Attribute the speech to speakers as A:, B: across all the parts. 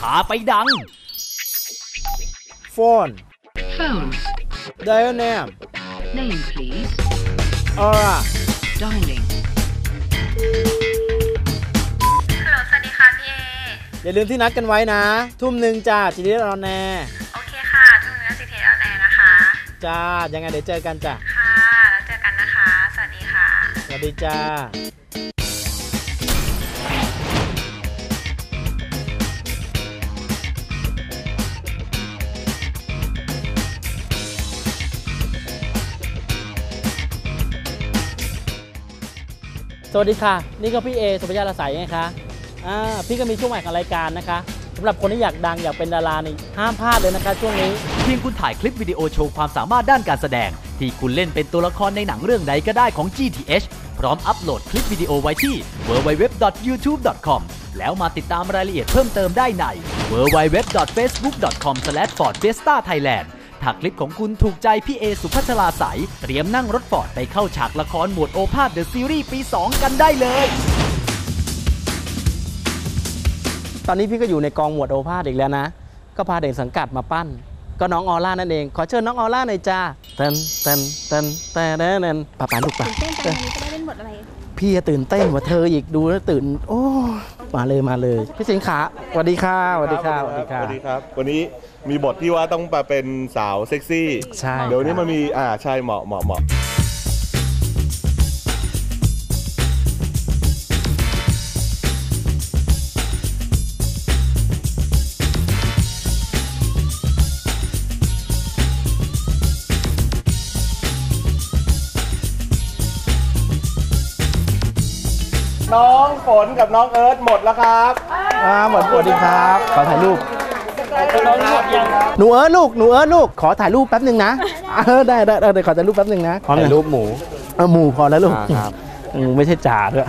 A: าไปดัง
B: Phone
C: Phones.
B: Dial name
C: Name, please.
B: Aura
C: Dialing.
D: ฮัลโหลสวัสดีค่ะพี่เอ
B: อย่าลืมที่นัดกันไว้นะ 1:00จ้าจีดีออนแนร์
D: โอเคค่ะทุกท่านสิทธิ์ออนแอร์นะคะ
B: จ้ายังไงเดี๋ยวเจอกันจ้ะ
D: ค่ะ แล้วเจอกันนะคะ สวัสดีค่ะ
B: สวัสดีจ้าสวัสดีค่ะนี่ก็พี่เอสุภยาละไสไงคะพี่ก็มีช่วงใหม่ของรายการนะคะสำหรับคนที่อยากดังอยากเป็นดารานี่ห้ามพลาดเลยนะคะช่วงนี้
A: เพียงคุณถ่ายคลิปวิดีโอโชว์ความสามารถด้านการแสดงที่คุณเล่นเป็นตัวละครในหนังเรื่องใดก็ได้ของ GTH พร้อมอัปโหลดคลิปวิดีโอไว้ที่ www.youtube.com แล้วมาติดตามรายละเอียดเพิ่มเติมได้ใน www.facebook.com/fordfiesta-thailand ถ้าคลิปของคุณถูกใจพี่เอสุภัชราใสเตรียมนั่งรถฟอร์ดไปเข้าฉากละครหมวดโอภาสเดอะซีรีส์ปี 2 กันได้เลย
B: ตอนนี้พี่ก็อยู่ในกองหมวดโอภาสอีกแล้วนะก็พาเด็กสังกัดมาปั้นก็น้องออร่านั่นเองขอเชิญน้องออร่าหน่อยจ้าเต้นป่าลูกป่าตื่นเต้นจังวันนี้จะได้เล่นบทอะไรพี่ตื่นเต้นกว่าเธออีกดูแล้วตื่นโอ้มาเลยพี่สิงขาสวัสดีค่ะสวัสดีครับ
E: วันนี้มีบทที่ว่าต้องมาเป็นสาวเซ็กซี่
B: ใช่
E: เดี๋ยวนี้มันมีใช่เหมาะน้องฝนกับน้องเอิร์ธหมดแล้วครับ
B: หมดสวัสดีครับขอถ่ายรูปหนูเอิร์ธลูกขอถ่ายรูปแป๊บหนึ่งนะได้ขอถ่ายรูปแป๊บหนึ่งนะ
E: ถ่ายรูปหมู
B: หมูพอแล้วลูกไม่ใช่จ่าด้วย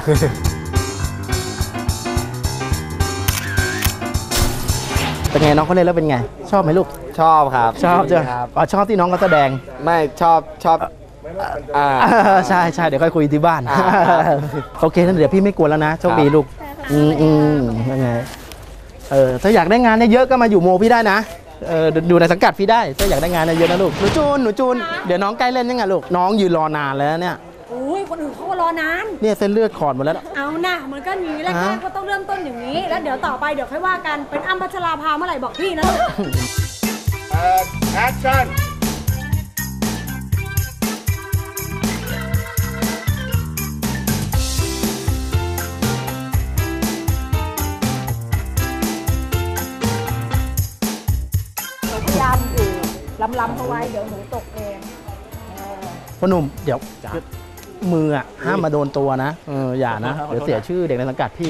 B: เป็นไงน้องเขาเล่นแล้วเป็นไงชอบไหมลูก
E: ชอบครับ
B: ชอบจ้ะชอบที่น้องเขาแสดง
E: ไม่ชอบ
B: ใช่เดี๋ยวค่อยคุยที่บ้านโอเคนั่นเดี๋ยวพี่ไม่กลัวแล้วนะโชคดีลูกยังไงถ้าอยากได้งานเยอะก็มาอยู่โมพี่ได้นะดูในสังกัดพี่ได้ถ้าอยากได้งานเยอะนะลูกหนูจูนเดี๋ยวน้องใกล้เล่นยังไงลูกน้องยืนรอนานแล้วเนี่ย
F: อุ้ยคนอื่นเขาก็รอนาน
B: เนี่ยเส้นเลือดขอดหมดแล้ว
F: เอานะมันก็อย่างนี้แรกๆก็ต้องเริ่มต้นอย่างนี้แล้วเดี๋ยวต่อไปเดี๋ยวค่อยว่ากันเป็นอ้ำพัชราภาเมื่อไหร่บอกพี่นะลูก
E: แอคชั่น
F: ลำเขาไว้เดี๋ยวหนูตกเอง
B: พ่อหนุ่มเดี๋ยวมือห้ามมาโดนตัวนะอย่านะเดี๋ยวเสียชื่อเด็กในสังกัดพี่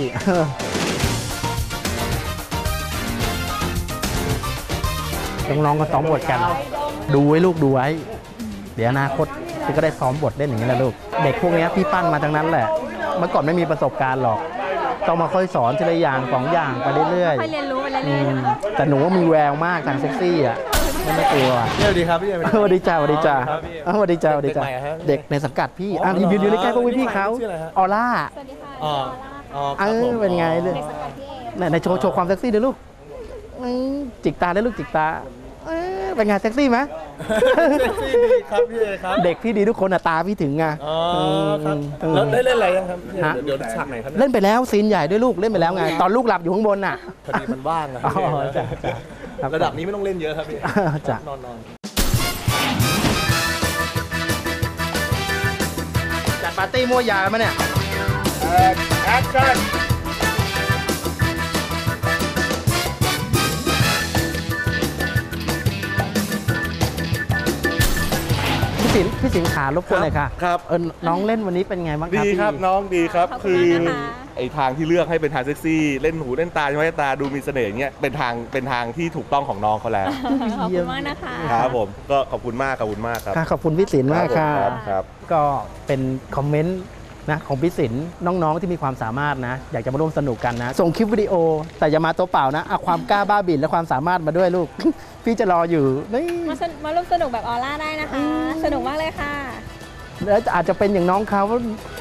B: น้องๆก็ซ้อมบทกันดูไว้ลูกดูไว้เดี๋ยวอนาคตพี่ก็ได้ซ้อมบทเล่นอย่างนี้แหละลูกเด็กพวกนี้พี่ปั้นมาทั้งนั้นแหละเมื่อก่อนไม่มีประสบการณ์หรอกต้องมาค่อยสอนทีละอย่าง2 อย่างไปเรื่อยๆ
F: ค่อยเรียนรู้ไปเรื่อย
B: ๆแต่หนูว่ามีแววมากทางเซ็กซี่ไม่กลัว
E: สวัสดีครับพี่
B: สวัสดีจ้าเด็กในสังกัดพี่ยืนในใกล้พวกพี่เขาออร่า
F: สวัสดีค่ะ
B: เป็นไงเลยในโชว์ความเซ็กซี่เดี๋ยวลูกจิกตาได้ลูกจิกตาเป็นไงเซ็กซี่ไหม
E: เซ็กซี่ดีครับพี่ครับ
B: เด็กพี่ดีทุกคนตาพี่ถึงไง
E: ครับแล้วได้เล่นอะไรยังครับเดี๋ยวฉากไหนครับ
B: เล่นไปแล้วซีนใหญ่ด้วยลูกเล่นไปแล้วไงตอนลูกหลับอยู่ข้างบน
E: พอดีมันว่างอะระดับนี้ไม่ต้องเล่นเยอะครับพี่
B: จ้ะนอนจัดปาร์ตี้มั่วยามาเนี่ย
E: แอคชั่น
B: พี่สิงขารบกวนหน่อยค่ะ
E: ครับ
B: น้องเล่นวันนี้เป็นไงบ้างครับ
E: ดีครับน้องดีครับคือไอ้ทางที่เลือกให้เป็นทางเซ็กซี่เล่นหูเล่นตาใช่ไหมตาดูมีเสน่ห์อย่างเงี้ยเป็นทางที่ถูกต้องของน้องเขาแล้ว
F: ขอบคุณมากนะคะ
E: ครับผมก็ขอบคุณมากครับ
B: ขอบคุณพี่สินมากค่ะ
E: ครับ
B: ก็เป็นคอมเมนต์นะของพี่สินน้องๆที่มีความสามารถนะอยากจะมาร่วมสนุกกันนะส่งคลิปวิดีโอแต่อย่ามาตัวเปล่านะเอาความกล้าบ้าบิ่นและความสามารถมาด้วยลูกพี่จะรออยู่
F: มาร่วมสนุกแบบออร่าได้นะคะสนุกมากเลยค่ะ
B: แล้วอาจจะเป็นอย่างน้องเขา